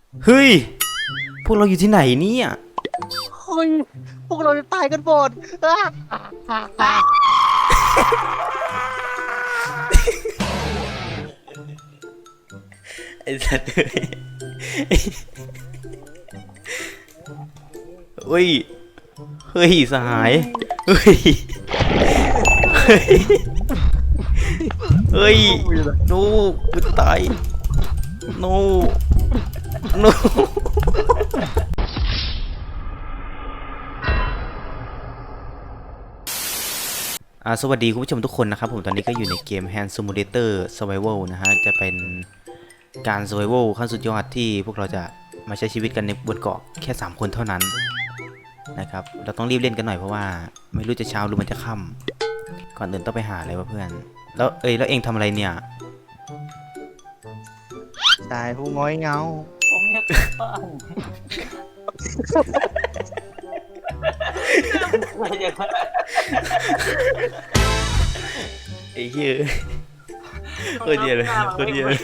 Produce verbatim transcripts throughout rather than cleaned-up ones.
เฮ้ยพวกเราอยู่ที่ไหนเนี่ยเฮ้ยพวกเราจะตายกันหมดอ้าไอ้สัตว์เฮ้ยเฮ้ยสหายเฮ้ยเฮ้ยเฮ้ยโน้กูตายโน้โน้อ่าสวัสดีคุณผู้ชมทุกคนนะครับผมตอนนี้ก็อยู่ในเกม Hand Simulator Survival นะฮะจะเป็นการ Survival ขั้นสุดยอดที่พวกเราจะมาใช้ชีวิตกันในบนเกาะแค่สามคนเท่านั้นนะครับเราต้องรีบเล่นกันหน่อยเพราะว่าไม่รู้จะเช้าหรือมันจะค่ำก่อนอื่นต้องไปหาอะไรวะเพื่อนแล้วเอ้ยแล้วเองทำอะไรเนี่ยตายผู้ง้อยเงาผมอยากกลับบ้านไม่อยากกลับไอ้เหี้ยคนเดียวเลยคนเดียวเลย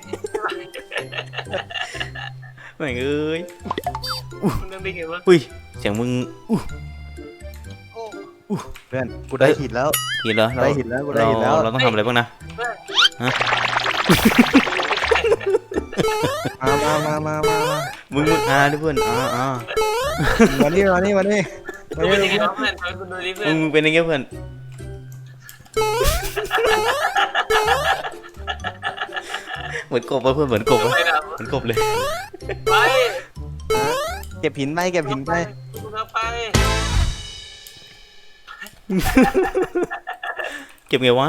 แม่งเอ้ยคุณนึกได้ไงวะอุ้ยเสียงมึงอู้เพื่อนกูได้หินแล้วเห็นเหรอเราได้หินแล้วกูได้เราหินแล้วเราต้องทำอะไรบ้างนะฮะมามามามามามามึงมึงอ่าดิเพื่อนอ่าอ่ามานี่มานี่มานี่มาคุณเป็นนี่ยังไงวะเพื่อนคุณดูดิเพื่อมึนงมึงเป็นยังไงเพื่อนเหมือนกบวะเพื่อนเหมือนกบวะไปนะเหมือนกบเลยไปเก็บหินไปเก็บหินไปคุณเอาไปเก็บไงวะ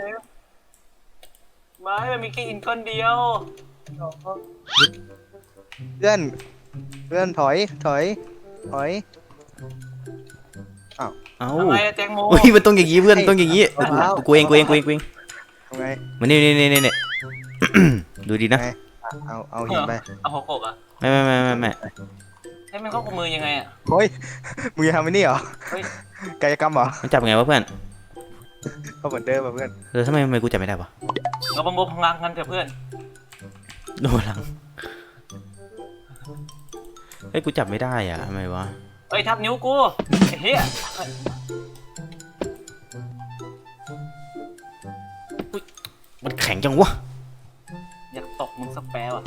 ไม้มันมีแค่อินก้อนเดียวเพื่อนเพื่อนถอยถอยถอยเอ้าทำไมอะแตงโมอุ้ยมันต้องอย่างงี้เพื่อนต้องอย่างงี้กูเองกูเองกูเองกูเองทำไงมานี่นี่นี่นี่ ดูดีนะไงเอาเอาหินไปเอาหัวโขกอะไม่ไม่ไม่ไม่ไม่ให้มันเข้ากับมือยังไงอะเฮ้ยมึงจะทำไอ้นี่เหรอเฮ้ยกายกรรมเหรอมันจับไงวะเพื่อนเขาเหมือนเดิมป่ะเพื่อนเออทำไมทำไมกูจับไม่ได้วะเราประมวลพลังกันเถอะเพื่อนโดนหลังเฮ้ยกูจับไม่ได้อ่ะทำไมวะเฮ้ยทับนิ้วกูไอ้เหี้ยมันแข็งจังวะอยากตกมึงสักแปรว่ะ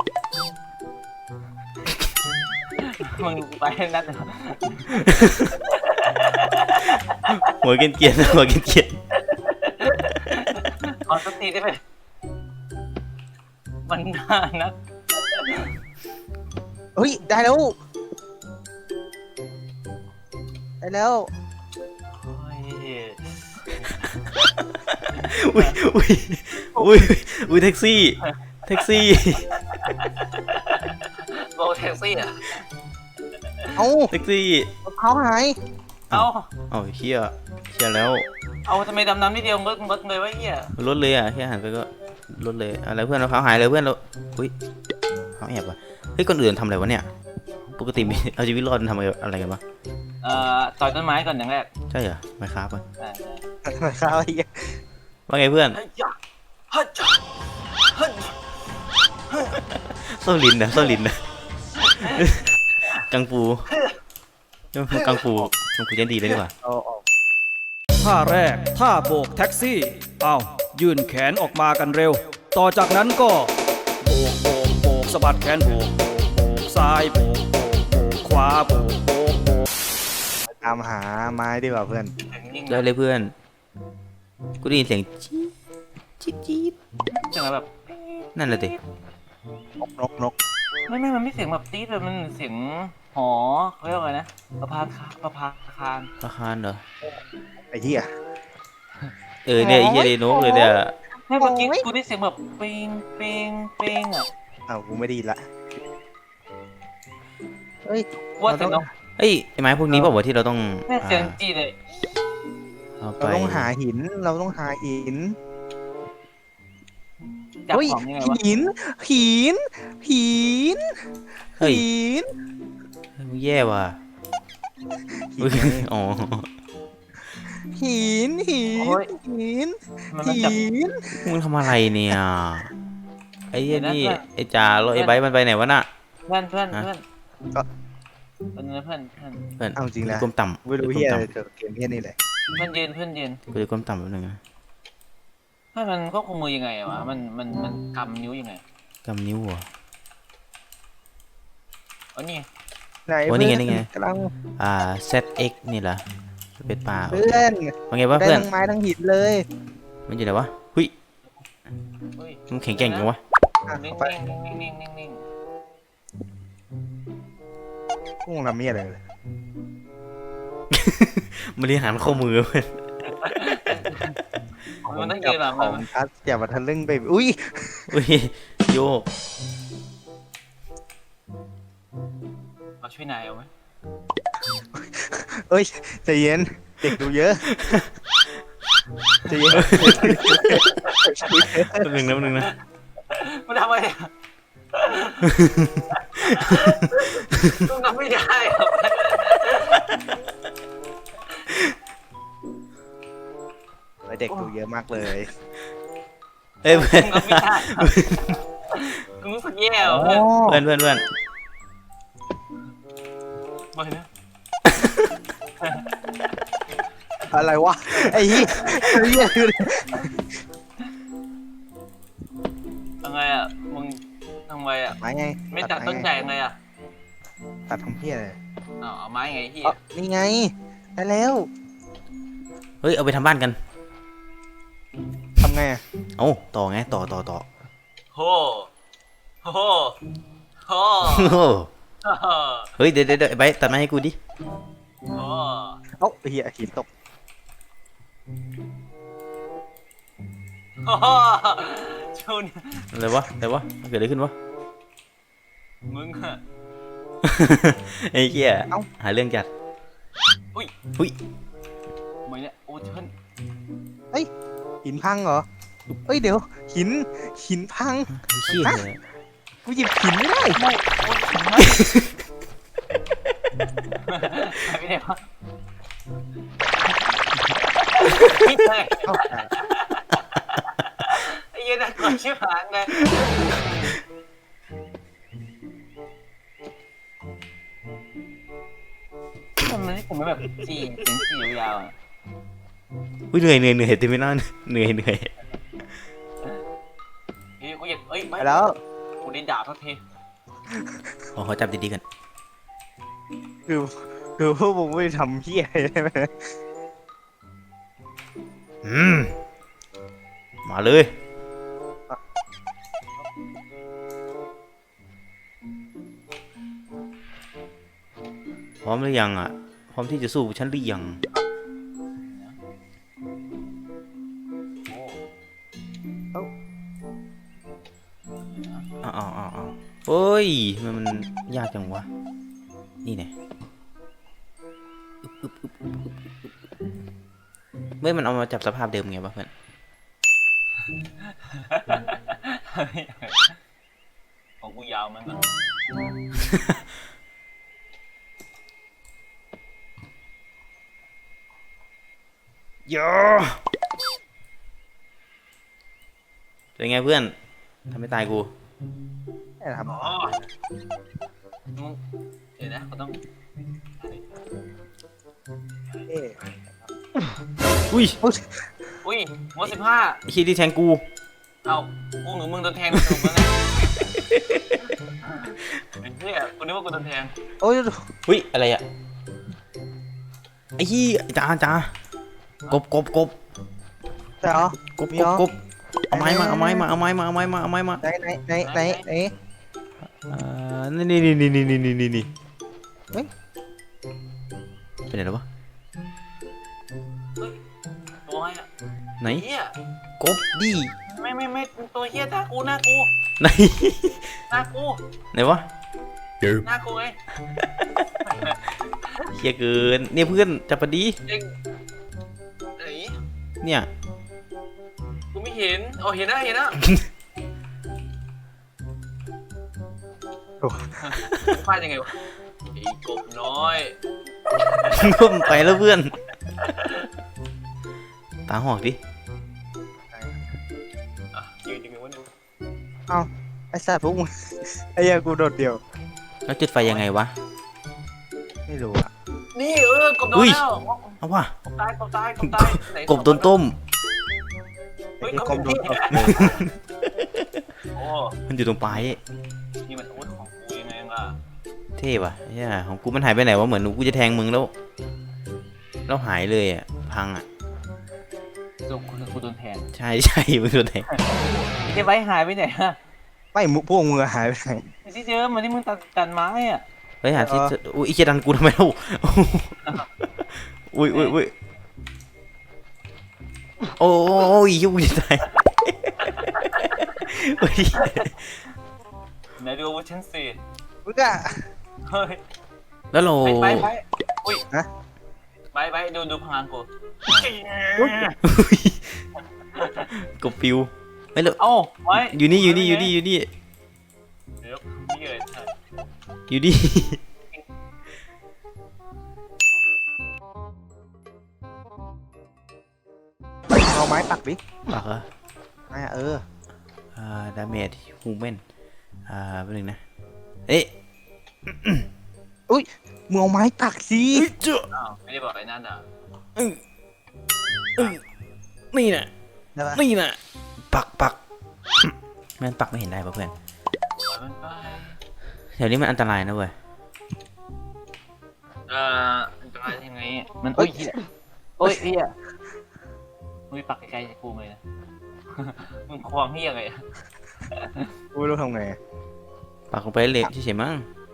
มึงไปนัดหัวเกรียนเกียนหัวเกรียนเกียนขอสติได้ไหมมันน่านักเฮ้ยได้แล้วได้แล้วโอ้ยอุ้ยอุ้ยอุ้ยอุ้ยแท็กซี่แท็กซี่โบแท็กซี่อ่ะเอาแท็กซี่มะพร้าวหายเอาเอ้าเฮียเฮียแล้วเอาทำไมดำน้ำนิดเดียวมึกมึกเลยวะเหี้ยรถเลยอ่ะแค่หันไปก็รถเลยอะไรเพื่อนเราเขาหายเลยเพื่อนเราอุ้ยเขาแอบว่ะเฮ้ยคนอื่นทำอะไรวะเนี่ยปกติมีเอาชีวิตรอดทำอะไรกันวะเอ่อต่อยต้นไม้ก่อนอย่างแรกใช่เหรอไม่ครับอ่ะอ่ามะพร้าวไอ้เหี้ยว่าไงเพื่อนเฮ้ยจ้ะเฮ้ยจ้ะเฮ้ยโซลินนะโซลินนะกังฟูกังฟูกังฟูยันดีเลยดีกว่าเอาออกท่าแรกท่าโบกแท็กซี่อ้าวยื่นแขนออกมากันเร็ว ต่อจากนั้นก็โบกโบกโบกสะบัดแขนโบกโบกโบกซ้ายโบกโบกโบกขวาโบกโบกโบกตามหาไม้ดีกว่าเพื่อนได้เลยเพื่อนกูได้ยินเสียงจี๊ดจี๊ดจี๊ดเสียงแบบนั่นแหละดินกนกนกไม่ไม่มันไม่เสียงแบบตี๊ดเลยมันเสียงหอเขาเรียกว่าไงนะประภาคาประภาคารราคาเหรอไอ้เหี้ยเออเนี่ยไอ้เหี้ยเลยนกเลยเนี่ยไม่เมื่อกี้กูได้เสียงแบบเปิงเปิงเปิงอ่ะอ้าวกูไม่ได้ยินละเฮ้ยว่าแต่นกเฮ้ยไอ้ไม้พวกนี้เปล่าวะที่เราต้องแม่เสียงจีเลยเอาไปเราต้องหาหินเราต้องหาหินจับเฮ้ยของยังไงวะหินหินหินเฮ้ยหินมึงแย่ว่ะหินอ๋อหินหินหินมันมันจับหินมึงทำอะไรเนี่ยไอ้เหี้ยนี่ไอ้จ่าแล้วไอ้ไบร์ทมันไปไหนวะน่ะเพื่อนเพื่อนฮะเพื่อนก็เป็นไงเพื่อนเพื่อนเพื่อนเอาจริงนะกูก้มต่ำไม่รู้กูเฮียก้อะไรมต่เจอเกมเฮียนี่แหละเพื่อนเย็นเพื่อนเย็นำกูจะก้มต่ำแป๊บนึงนะเพื่อนมันก็คุมมือยังไงวะมันมันมันกำนิ้วยังไงกำนิ้วเหรออ๋อนี่ไหนโอ้นี่ไงนี่ไงกำลังอ่า แซด เอ็กซ์ นี่เหรอเป็นปลาเพื่อนว่าไงวะได้เพื่อนทั้งไม้ทั้งหินเลยมันอยู่ไหนวะหุยเฮ้ยมันแข็งแกร่งจังวะอ่ะนิ่งเอาไปนิ่งนิ่งนิ่งนิ่งนิ่งพุ่งทำเมียอะไรเลยบริหารข้อมือเพื่อนมันต้องยืนหรอขมัอน งคัสอย่ามาทะลึ่งไปอุ้ยอุ้ยโยกเอาช่วยนายเอาไหมเอ้ยใจเย็นเด็กดูเยอะใจเย็นแป๊บนึงนะแป๊บนึงนะมันทำไมอ่ะต้องทำไม่ได้หรอเด็กดูเยอะมากเลยเอ้ยเพื่อนทำไม่ได้กูรู้สึกแย่ว่ะเพื่อนเพื่อนเพื่อนเพื่อนไม่นะอะไรวะไอ้เหี้ยไอ้เหี้ยคือทำไงอ่ะมึงทำไงอ่ะไม้ไงไม่ตัดต้นใหญ่ไงอ่ะตัดทำเพี้ยเลยอ๋อเอาไม้ไงที่อ๋อนี่ไงได้แล้วเฮ้ยเอาไปทำบ้านกันทำไงอะเอ้าต่อไงต่อต่อต่อโหโหโหโอ้เฮ้ยเดี๋ยวเดี๋ยวเดี๋ยวไอ้ใบร์ทตัดไม้ให้กูดิโหเอ้าไอ้เหี้ยหินตกโหชูนอะไรวะอะไรวะเกิดอะไรขึ้นวะมึงอะไอ้เหี้ยหาเรื่องจัดอุ้ยหุ้ยไม่เนี่ยโอ้เชิญหินพังเหรอเอ้ยเดี๋ยวหินหินพังเชี่ยเลยกูหยิบหินไม่ได้ไม่โอ้ถึงไหมหายไปไหนวะพี่เลยเอ้าไอ้เหี้ยันน่ากลัวชิบหายเลยทำไมผมไม่แบบจีเสียงจียาวๆอะอุ้ยเหนื่อยเหนื่อยเหนื่อยเต็มไปหน้าเหนื่อยเหนื่อยเฮ้ยกูอยากเอ้ยไปไม่แล้วกูได้ดาบสักทีขอขอจับดีๆกันคือคือพวกมึงไม่ทำเพี้ยอะไรใช่ไหมอืมมาเลยพร้อมหรือยังอ่ะพร้อมที่จะสู้ฉันหรือยังโอ้อ้าวอ้าวอ้าวอ้าวเฮ้ยทำไมันมันยากจังวะ นี่ไงอึ๊บอึ๊บอึ๊บอึ๊บอึ๊บอึ๊บเมื่อมันเอามาจับสภาพเดิมไงวะเพื่อนของกูยาวมันอ่ะโยเป็นไงเพื่อนทำให้ตายกูไม่ทำอ๋อมึงเดี๋ยวนะกูต้องเอ๊ะอุ้ยอุ้ยหมดสิบห้าไอ้ขี้ยที่แทงกูเอากูหรือมึงโดนแทงถูกมั้งเนี่ยไอ้เหี้ยกูนึกว่ากูโดนแทงโอ้ยอุ้ยอะไรอ่ะไอ้ขี้ยจ้าจ้ากบกบกบแต่เหรอกบมีกเหรบอกบเอาไม้มาเอาไม้มาเอาไม้มาเอาไม้มาเอาไม้มาไหนไหนไหนไหนไหนอ่านี่นี่นี่นี่นี่นี่นี่นี่เฮ้ยเป็นไงแล้ววะตัวอะไรอ่ะไหนเหี้ยกบดิไม่ไม่ไม่ตัวเหี้ยหน้ากูหน้ากูไหนหน้ากูไหนวะหน้ากูไงเฮียเกินเนี่ยเพื่อนจับพอดีเองไหนเนี่ยกูไม่เห็นเอาเห็นนะเห็นนะพลาดยังไงวะไอ้กบน้อยก็มันไปแล้วเพื่อน ตาหอกดิอ่ะยืนยังไงวะเนี่ยเอ้าไอ้สัตว์พวกมึงไอ้เหี้ยกูโดดเดี่ยวแล้วจุดไฟยังไงวะไม่รู้อะนี่เออกบโดนอุ้ยแล้วเอาว่ะกบตายกบตายกบตายไหกบโดนต้มเฮ้ยไอ้กบกบโดนที่โอ้มันอยู่ตรงปลายนี่มันอาวุธของกูยังไงล่ะเท่ว่ะเฮียของกูมันหายไปไหนวะเหมือนกูจะแทงมึงแล้วแล้วหายเลยอ่ะพังอ่ะจบกูกูโดนแทงใช่ใช่มึงโดนแทงไอ้เจ๊ไว้หายไปไหนฮะไม่มุพวกมึงหายไปไหนไอ้ที่เจอมันที่มึงตัดตัดไม้อ่ะเฮ้ยหาที่เอออุ้ยอีเจดันกูทำไมเล่าอุ้ยอุ้ยอุ้ยโอ้ยยุ่งจะตายเฮ้ยไหนดูอาวุธชั้นสี่มึงอะเฮ้ยแล้วเราไปไปไปอุ้ยฮะไปไปดูดูพลังกูกบปิวไม่เลยเอ้าไว้อยู่นี่อยู่นี่อยู่นี่อยู่นี่เดี๋ยวนี่เลยใช่อยู่นี่เอาไม้ปักดิปากเหรอไม้อะเอออ่าดาเมจฮูแมนอ่าแป๊บนึงนะเอ๊ะมึงเอาไม้ปักสิเจ้าอ้าวไม่ได้บอกไอ้นั่นอ่ะนี่น่ะได้ปะนี่น่ะปักปักแม่นปักไม่เห็นได้ป่ะเพื่อนปล่อยมันไปแถวนี้มันอันตรายนะเว้ยเอ่อมันจะมายังไงมันโอ้ยเหี้ยโอ้ยเฮียมึงไปปักไกลๆจากกูเลยนะ มึงควงเฮียไงอะกูไม่รู้ทำไงปักลงไปเละเฉยๆมั้ง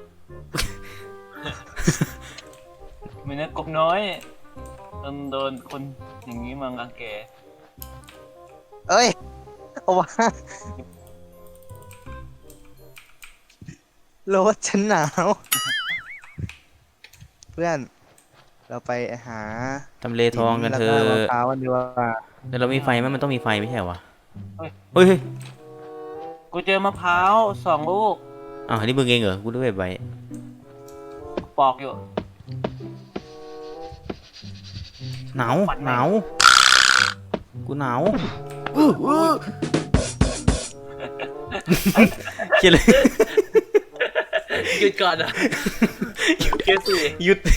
ไม่นะกบน้อยโดนโดนคนอย่างนี้มารังแกเอ้ยเอาวะโรสฉันหนาวเพื่อนเราไปหาทำเลทองกันเถอแล้วมะะพร้าวกันดีกว่าแต่เรามีไฟไหมมันต้องมีไฟไม่ใช่เหรอวะเฮ้ยเฮ้ยเฮ้ยกูเจอมะพร้าวสองลูกอ้าวอันนี้มึงเองเหรอกูด้วยใบปอกอยู่หนาวปัดไหมหนาวกูหนาวอื้ออื้อเขียนเลยหยุดก่อนอ่ะเกสิหยุด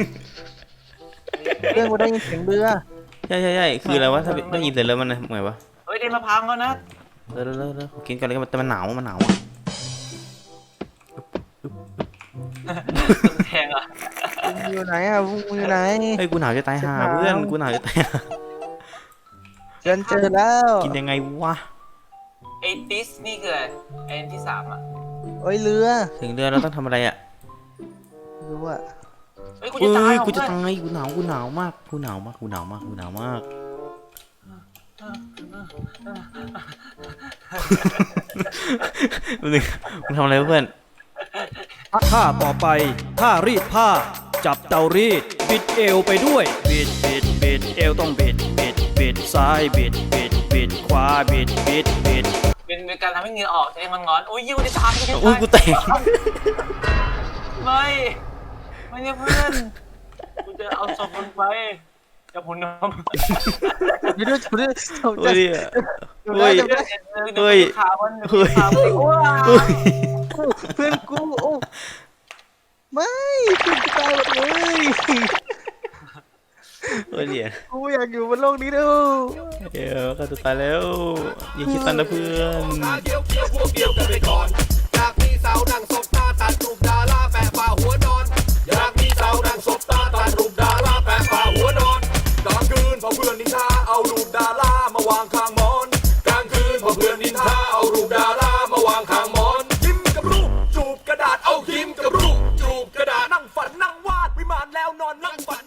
เพื่อนกูได้ยินเสียงเรือใช่ใช่ใช่คืออะไรวะถ้าได้ยินเสร็จแล้วมันไงวะเฮ้ยได้มะพร้าวแล้วนะเออเออเออเออกินกันเลยแต่มันหนาวมันหนาวอ่ะแทงอ่ะมึงอยู่ไหนอ่ะมึงอยู่ไหนเฮ้ยกูหนาวจะตายห่าเพื่อนกูหนาวจะตายห่าฉันเจอแล้วกินยังไงวะไอ้ติสนี่คืออะไรไอ้อันที่สามอ่ะโอ้ยเรือถึงเดือนเราต้องทำอะไรอ่ะรู้ว่าเฮ้ยกูเอ้จะตายยเหรอกูจะเพื่อนตายกูหนาวกูหนาวมากกูหนาวมากกูหนาวมากกูหนาวมากมึงมึงทำอะไรวะเพื่อนท่าต่อไปท่ารีดผ้า จับเตารีด บิดเอวไปด้วย บิดบิดบิดเอวต้องบิดบิดบิดซ้ายบิดบิดบิดขวาบิดบิดบิดเป็นเป็นการทำให้เหงื่อออกจะได้มันร้อนโอ้ยยิวจะตายจะโอ้ยกูแตกไม่ไม่เนี่ยเพื่อนกูจะเอาศพมันไปจะพุนน้ำเดี๋ยวเดี๋ยวเดี๋ยวโอ้ยเดี๋ยวโอ้ยเดี๋ยวเฮ้ยขามันเฮ้ยขามันโอ้ยเฮ้ยเพื่อนกูโอ้ไม่เพื่อนกูตายหมดเลยโอ้ยเนี่ยกูอยากอยู่บนโลกนี้ด้วยเดี๋ยวก็จะตายแล้วอย่าคิดตันนะเพื่อนเกี่ยวเกี่ยวพวกเกี่ยวกันไปก่อน อยากมีสาวนั่งศพตาตัดรูปดาราแปะฝ่าหัวนอน อยากมีสาวนั่งศพตาตัดรูปดาราแปะฝ่าหัวนอนกลางคืนพอเพื่อนนินทาเอารูปดารามาวางข้างหมอนกลางคืนพอเพื่อนนินทาเอารูปดารามาวางข้างหมอนยิ้มกับรูปจูบกระดาษเอายิ้มกับรูปจูบกระดาษนั่งฝันนั่งวาดวิมานแล้วนอนนั่งฝัน